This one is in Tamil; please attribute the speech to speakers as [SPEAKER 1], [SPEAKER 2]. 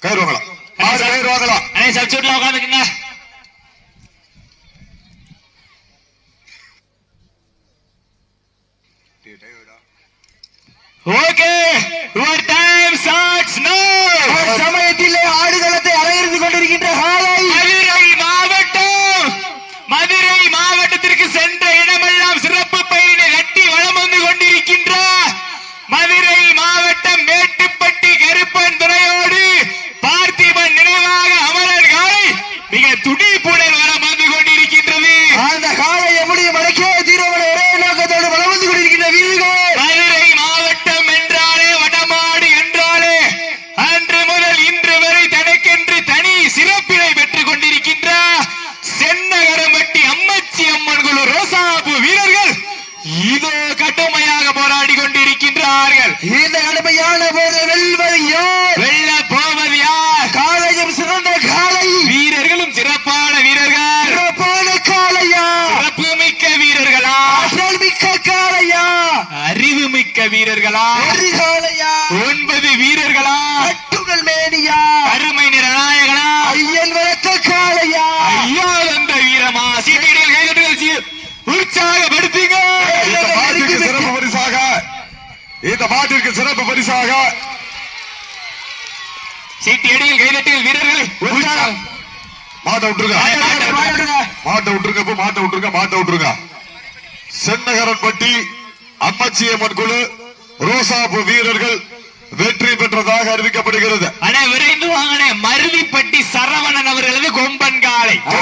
[SPEAKER 1] கயிறு வாங்கலாம். கயிறு வாங்கலாம்.
[SPEAKER 2] சப்ஸ்டியூட்ல உட்காந்துக்குங்க. Okay, your time starts now.
[SPEAKER 3] சமயத்திலே ஆடுகளத்தை அலங்கரித்து கொண்டிருக்கின்ற காலை
[SPEAKER 2] மதுரை மாவட்டத்திற்கு சென்ற இடமெல்லாம் சிறப்பு பயணி கட்டி வளம் வந்து கொண்டிருக்கின்ற மதுரை மாவட்டம் மேட்டுப்பட்டி கருப்பன் துறையோடு பார்த்திபன் நினைவாக அமரர் காலை மிக துடிப்புடன் வளம் வந்து கொண்டிருக்கின்றது.
[SPEAKER 3] அந்த காலை எப்படி மடக்கே தீரவன ஒரே நோக்கத்தோடு வளம் வந்து கொண்டிருக்கின்ற வீரர்கள்.
[SPEAKER 2] மதுரை மாவட்டம் என்றாலே வடமாடு என்றாலே அன்று முதல் இன்று வரை தனக்கென்று தனி சிறப்பினை பெற்றுக் கொண்டிருக்கின்ற சென்னகரம்பட்டி அம்மச்சி அம்மன் குழு ரோசாபு வீரர்கள் இதோ கடுமையாக போராடி கொண்டிருக்கின்றார்கள்.
[SPEAKER 3] இந்த கடுமையான போது வெல்வது யார்?
[SPEAKER 2] வெல்ல போவது யார்?
[SPEAKER 3] காலையும் சிறந்த காலை,
[SPEAKER 2] வீரர்களும் சிறப்பான வீரர்கள்.
[SPEAKER 3] சிறப்பான காலையா?
[SPEAKER 2] சிறப்பு மிக்க வீரர்களா?
[SPEAKER 3] ஆற்றல் மிக்க காலையா?
[SPEAKER 2] அறிவு மிக்க வீரர்களா?
[SPEAKER 3] காலையா?
[SPEAKER 2] 9 வீரர்களா?
[SPEAKER 3] கட்டுகள் மேனியா?
[SPEAKER 2] அருமை நிறநாயகனா?
[SPEAKER 3] ஐயன் வளர்த்த காலையா?
[SPEAKER 2] ஐயா வந்த வீரமா? சீட்டிகள் கைதட்டுகள் உற்சாகப்படுத்துங்க.
[SPEAKER 1] இந்த மாட்டிற்கு சிறப்பு பரிசாக
[SPEAKER 2] சீட்டி அடியில் கைதட்டுகள் வீரர்களை
[SPEAKER 1] மாட்ட விட்டுருங்க. சென்னகரன்பட்டி அம்மச்சியம்மன் குழு ரோசாபு வீரர்கள் வெற்றி பெற்றதாக அறிவிக்கப்படுகிறது.
[SPEAKER 2] விரைந்து வாங்கின மருதிப்பட்டி சரவணன் அவர்களது கொம்பன் காலை.